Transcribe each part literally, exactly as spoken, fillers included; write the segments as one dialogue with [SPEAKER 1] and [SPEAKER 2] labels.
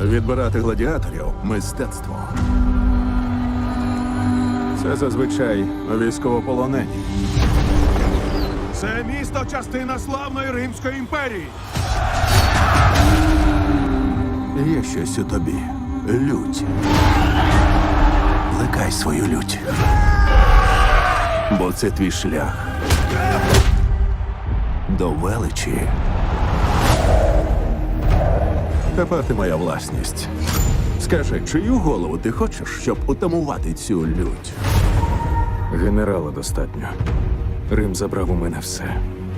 [SPEAKER 1] Відбирати гладіаторів – мистецтво. Це зазвичай військовополонені.
[SPEAKER 2] Це місто – частина славної Римської імперії.
[SPEAKER 1] Є щось у тобі. Лють. Плекай свою лють. Бо це твій шлях до величі. Тепер ти моя власність. Скажи, чию голову ти хочеш, щоб утамувати цю лють?
[SPEAKER 3] Генерала достатньо. Рим забрав у мене все.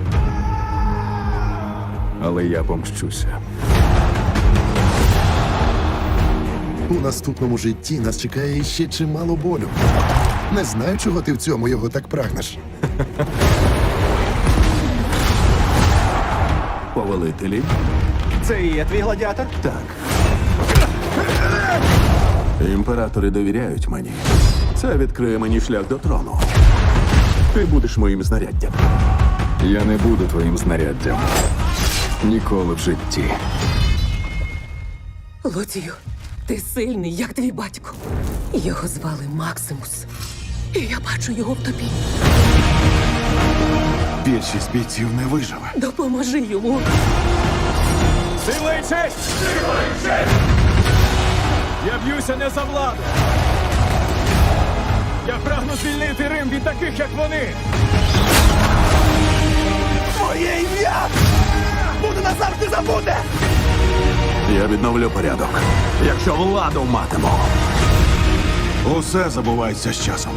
[SPEAKER 3] Але я помщуся.
[SPEAKER 4] У наступному житті нас чекає ще чимало болю. Не знаю, чого ти в цьому його так прагнеш.
[SPEAKER 1] Повелителі?
[SPEAKER 5] Це і є твій гладіатор?
[SPEAKER 1] Так. Імператори довіряють мені. Це відкриє мені шлях до трону. Ти будеш моїм знаряддям.
[SPEAKER 3] Я не буду твоїм знаряддям. Ніколи в житті.
[SPEAKER 6] Лоцію, ти сильний, як твій батько. Його звали Максимус. І я бачу його в тобі.
[SPEAKER 2] Більшість бійців не виживе.
[SPEAKER 6] Допоможи йому.
[SPEAKER 5] Сила і честь! Сила і честь! Я б'юся не за владу. Я прагну звільнити Рим від таких, як вони.
[SPEAKER 2] Твоє ім'я буде назавжди забуде!
[SPEAKER 1] Я відновлю порядок, якщо владу матиму.
[SPEAKER 2] Усе забувається з часом.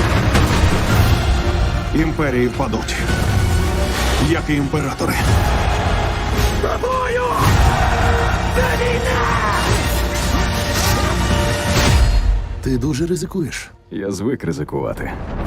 [SPEAKER 2] Імперії впадуть, як і імператори. Тобою! Це війна!
[SPEAKER 4] Ти дуже ризикуєш.
[SPEAKER 3] Я звик ризикувати.